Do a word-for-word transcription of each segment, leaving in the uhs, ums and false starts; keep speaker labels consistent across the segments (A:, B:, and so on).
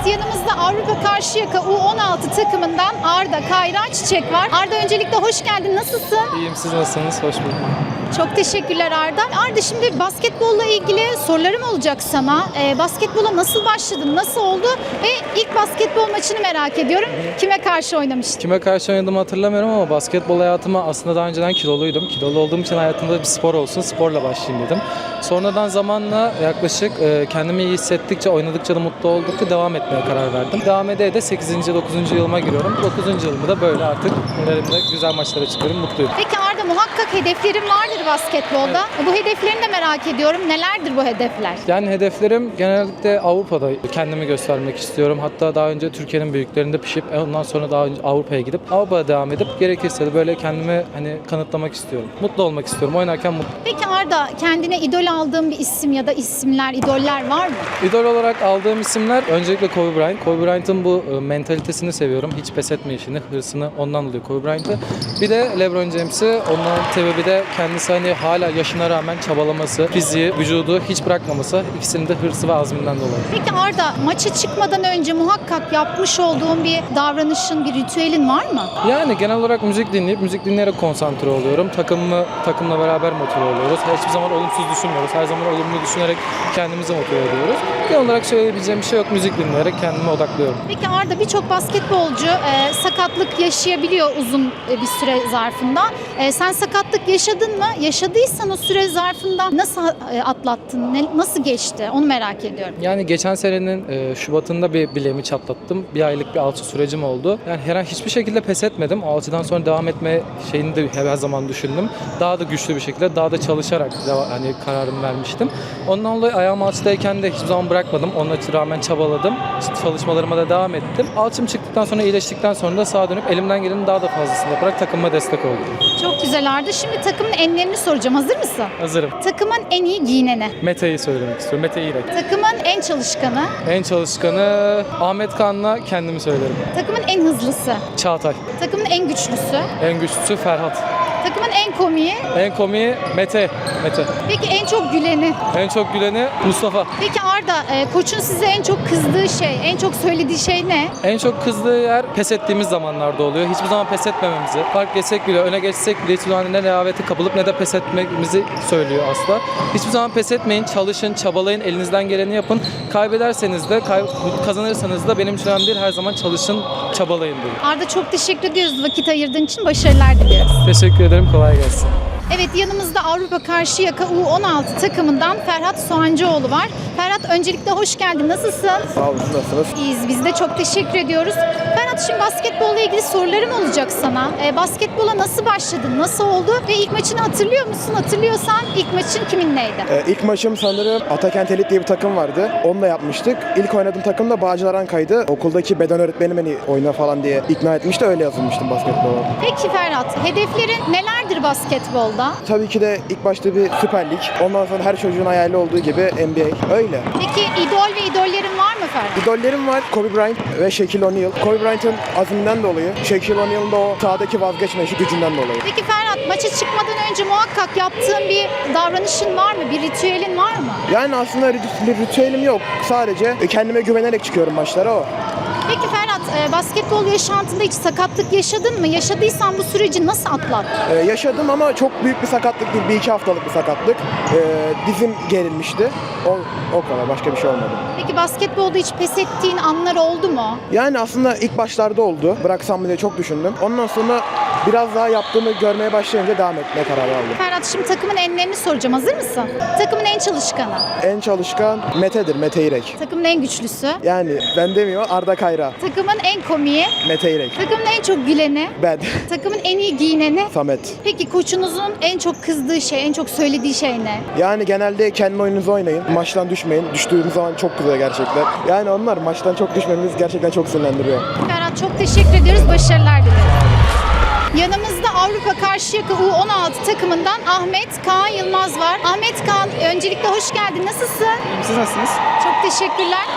A: yanımızda Avrupa Karşıyaka U on altı takımından Arda Kayra Çiçek var. Arda, öncelikle hoş geldin. Nasılsın?
B: İyiyim, siz nasılsınız? Hoş bulduk.
A: Çok teşekkürler Arda. Arda, şimdi basketbolla ilgili sorularım olacak sana. Ee, basketbola nasıl başladın, nasıl oldu ve ilk basketbol maçını merak ediyorum. Kime karşı oynamıştın?
B: Kime karşı oynadığımı hatırlamıyorum ama basketbol hayatıma aslında daha önceden kiloluydum. Kilolu olduğum için hayatımda bir spor olsun, sporla başlayayım dedim. Sonradan zamanla yaklaşık e, kendimi iyi hissettikçe, oynadıkça da mutlu oldukça devam etmeye karar verdim. Devam ede de sekizinci dokuzuncu yılıma giriyorum. dokuzuncu yılımda da böyle artık ilerimde güzel maçlara çıkıyorum, mutluyum.
A: Peki Arda, muhakkak hedeflerin vardır basketbolda. Bu hedeflerini de merak ediyorum. Nelerdir bu hedefler?
B: Yani hedeflerim genellikle Avrupa'da kendimi göstermek istiyorum. Hatta daha önce Türkiye'nin büyüklerinde pişip ondan sonra daha önce Avrupa'ya gidip Avrupa'ya devam edip gerekirse de böyle kendimi hani kanıtlamak istiyorum. Mutlu olmak istiyorum. Oynarken mutlu.
A: Peki Arda, kendine idol aldığın bir isim ya da isimler, idoller var mı?
B: İdol olarak aldığım isimler öncelikle Kobe Bryant. Kobe Bryant'ın bu e, mentalitesini seviyorum. Hiç pes etme işini, hırsını ondan dolayı Kobe Bryant'ı. Bir de LeBron James'i. Onun sebebi de kendisi hani hala yaşına rağmen çabalaması, fiziği, vücudu hiç bırakmaması. İkisinin de hırsı ve azminden dolayı.
A: Peki Arda, maça çıkmadan önce muhakkak yapmış olduğun bir davranışın, bir ritüelin var mı?
B: Yani genel olarak müzik dinleyip, müzik dinleyerek konsantre oluyorum. Takımımı, takımla beraber motive oluyoruz. Hiçbir zaman olumsuz düşünmüyoruz. Her zaman olumlu düşünerek kendimizi motive ediyoruz. Genel olarak söyleyebileceğim bir şey yok. Müzik dinleyerek kendime odaklıyorum.
A: Peki Arda, birçok basketbolcu e, sakatlık yaşayabiliyor uzun e, bir süre zarfında. E, sen sakatlık yaşadın mı? Yaşadıysan o süre zarfında nasıl e, atlattın? Ne, nasıl geçti? Onu merak ediyorum.
B: Yani geçen senenin e, Şubat'ında bir bileğimi çatlattım. Bir aylık bir alçı sürecim oldu. Yani herhangi hiçbir şekilde pes etmedim. Alçıdan sonra devam etme şeyini de her zaman düşündüm. Daha da güçlü bir şekilde, daha da çalışarak deva- hani kararımı vermiştim. Ondan dolayı ayağım alçıdayken de hiçbir zaman bırakmadım. Ona rağmen çabaladım. İşte çalışmalarıma da devam ettim. Alçım çıktıktan sonra, iyileştikten sonra da sağa dönüp elimden gelenin daha da fazlasını yaparak takımıma destek oldum.
A: Çok güzel Arda. Şimdi takımın enlerini soracağım. Hazır mısın?
B: Hazırım.
A: Takımın en iyi giyineni.
B: Mete'yi söylemek istiyorum. Mete İrek.
A: Takımın en çalışkanı.
B: En çalışkanı Ahmet Kan'la kendimi söylerim.
A: Takımın en hızlısı.
B: Çağatay.
A: Takımın en güçlüsü.
B: En güçlüsü Ferhat.
A: Takımın en komiği.
B: En komiği Mete. Mete.
A: Peki en çok güleni.
B: En çok güleni Mustafa.
A: Peki Arda, e, koçun size en çok kızdığı şey, en çok söylediği şey ne?
B: En çok kızdığı yer pes ettiğimiz zamanlarda oluyor. Hiçbir zaman pes etmememizi. Fark geçsek bile, öne geçsek bile hiçbir zaman ne rehavete kapılıp ne de pes etmemizi söylüyor asla. Hiçbir zaman pes etmeyin, çalışın, çabalayın, elinizden geleni yapın. Kaybederseniz de, kay- kazanırsanız da benim için önemli değil. Her zaman çalışın, çabalayın diyor.
A: Arda, çok teşekkür ediyoruz vakit ayırdığın için. Başarılar diliyoruz.
B: Teşekkür ederim, kolay gelsin.
A: Evet, yanımızda Avrupa Karşıyaka U on altı takımından Ferhat Soğancıoğlu var. Ferhat, öncelikle hoş geldin. Nasılsın?
C: Sağ olun, nasılsınız?
A: İyiyiz. Biz de çok teşekkür ediyoruz. Ferhat, şimdi basketbolla ilgili sorularım olacak sana. E, basketbola nasıl başladın? Nasıl oldu? Ve ilk maçını hatırlıyor musun? Hatırlıyorsan ilk maçın kiminleydi?
C: Ee, ilk maçım sanırım Atakent Elit diye bir takım vardı. Onunla yapmıştık. İlk oynadığım takım da Bağcılar Anka'ydı. Okuldaki beden öğretmenim beni oyna falan diye ikna etmişti. Öyle yazılmıştım basketbola.
A: Peki Ferhat, hedeflerin nelerdir basketbolda?
C: Tabii ki de ilk başta bir Süper Lig. Ondan sonra her çocuğun hayali olduğu gibi N B A. Öyle.
A: Peki idol ve idollerin var mı Ferhat?
C: İdollerim var. Kobe Bryant ve Shaquille O'Neal. Kobe Bryant'ın azminden dolayı, Shaquille O'Neal'ın da o sahadaki vazgeçmeyişi gücünden dolayı.
A: Peki Ferhat, maça çıkmadan önce muhakkak yaptığın bir davranışın var mı? Bir ritüelin var mı?
C: Yani aslında rit- bir ritüelim yok. Sadece kendime güvenerek çıkıyorum maçlara, o.
A: Peki Ferhat, e, basketbol yaşantında hiç sakatlık yaşadın mı? Yaşadıysan bu süreci nasıl atlattın?
C: Ee, yaşadım ama çok büyük bir sakatlık değil. Bir iki haftalık bir sakatlık. Ee, dizim gerilmişti. O, o kadar. Başka bir şey olmadı.
A: Peki basketbolda hiç pes ettiğin anlar oldu mu?
C: Yani aslında ilk başlarda oldu. Bıraksam mı diye çok düşündüm. Ondan sonra biraz daha yaptığımı görmeye başlayınca devam etmeye karar aldım.
A: Ferhat, şimdi takımın enlerini soracağım. Hazır mısın? Takımın en çalışkanı.
C: En çalışkan Mete'dir. Mete İrek.
A: Takımın en güçlüsü.
C: Yani ben demiyor, Arda Kayra.
A: Takımın en komiği.
C: Mete İrek.
A: Takımın en çok güleni.
C: Ben.
A: Takımın en iyi giyineni.
C: Samet.
A: Peki koçunuzun en çok kızdığı şey, en çok söylediği şey ne?
C: Yani genelde kendi oyununuzu oynayın. Maçtan düşmeyin. Düştüğünüz zaman çok kızıyor gerçekten. Yani onlar maçtan çok düşmemiz gerçekten çok sinirlendiriyor.
A: Ferhat, çok teşekkür ediyoruz. Başarılar dileriz. Yanımızda Avrupa Karşıyaka U on altı takımından Ahmet Kaan Yılmaz var. Ahmet Kaan, öncelikle hoş geldin. Nasılsın?
B: Siz nasılsınız?
A: Çok teşekkürler. Ahmet Kaan,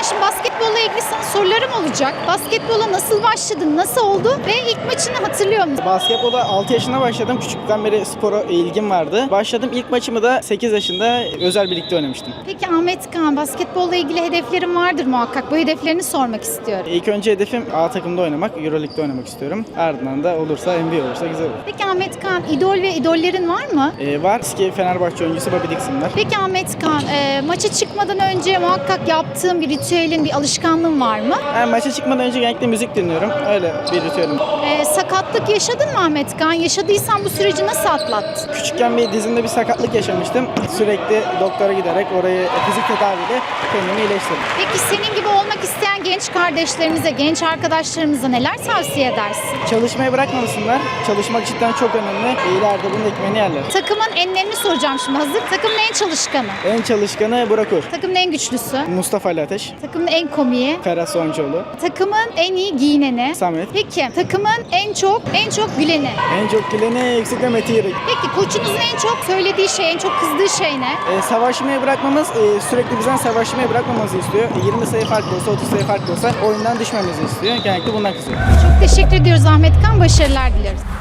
A: Kan, şimdi basketbolla ilgili sana sorularım olacak. Basketbola nasıl başladın, nasıl oldu ve ilk maçını hatırlıyor musun?
D: Basketbola altı yaşında başladım. Küçüklükten beri spora ilgim vardı. Başladım. İlk maçımı da sekiz yaşında özel birlikte oynamıştım.
A: Peki Ahmet Kan, basketbolla ilgili hedeflerin vardır muhakkak. Bu hedeflerini sormak istiyorum.
D: İlk önce hedefim A takımda oynamak, Euroleague'de oynamak istiyorum. Ardından da olursa N B A olursa güzel olur.
A: Peki Ahmet Kan, idol ve idollerin var mı?
D: Ee, var eski Fenerbahçe oyuncusu Bobby Dixon var.
A: Peki Ahmet Kan, e, maça çıkmadan önce muhakkak yaptığın bir ritüelin, bir alışkanlığın var mı?
D: Ben maça çıkmadan önce genellikle müzik dinliyorum. Öyle bir ritüelim.
A: E, sakatlık yaşadın mı Ahmet Kan? Yaşadıysan bu süreci nasıl atlattın?
D: Küçükken bir dizimde bir sakatlık yaşamıştım. Sürekli doktora giderek orayı fizik tedaviyle kendimi iyileştirdim.
A: Peki senin gibi olmak isteyen genç kardeşlerimize, genç arkadaşlarımıza neler tavsiye edersin?
D: Çalışmayı bırakmamasınlar. Çalışmak cidden çok önemli. İleride bunun ekmeğini yerler.
A: Takımın enlerini soracağım şimdi, hazır. Takımın en çalışkanı,
D: En çalışkanı Burak Uğur.
A: takımın en güçlüsü,
D: Mustafa Ali Ateş.
A: takımın en komiği,
D: Ferhat Soncuoğlu.
A: takımın en iyi giyineni.
D: Samet.
A: Peki takımın en çok en çok güleni.
D: En çok güleni Yüksekle Mete Yürek.
A: Peki koçunuzun en çok söylediği şey, en çok kızdığı şey ne?
D: Ee, savaşmayı bırakmamız, e, sürekli bizden savaşmayı bırakmamızı istiyor. E, yirmi sayı farklı olsa, otuz sayı farklı olsa oyundan düşmemizi istiyor. Genellikle bundan kızıyor.
A: Çok teşekkür ediyoruz Ahmet Kan, başarılar dileriz.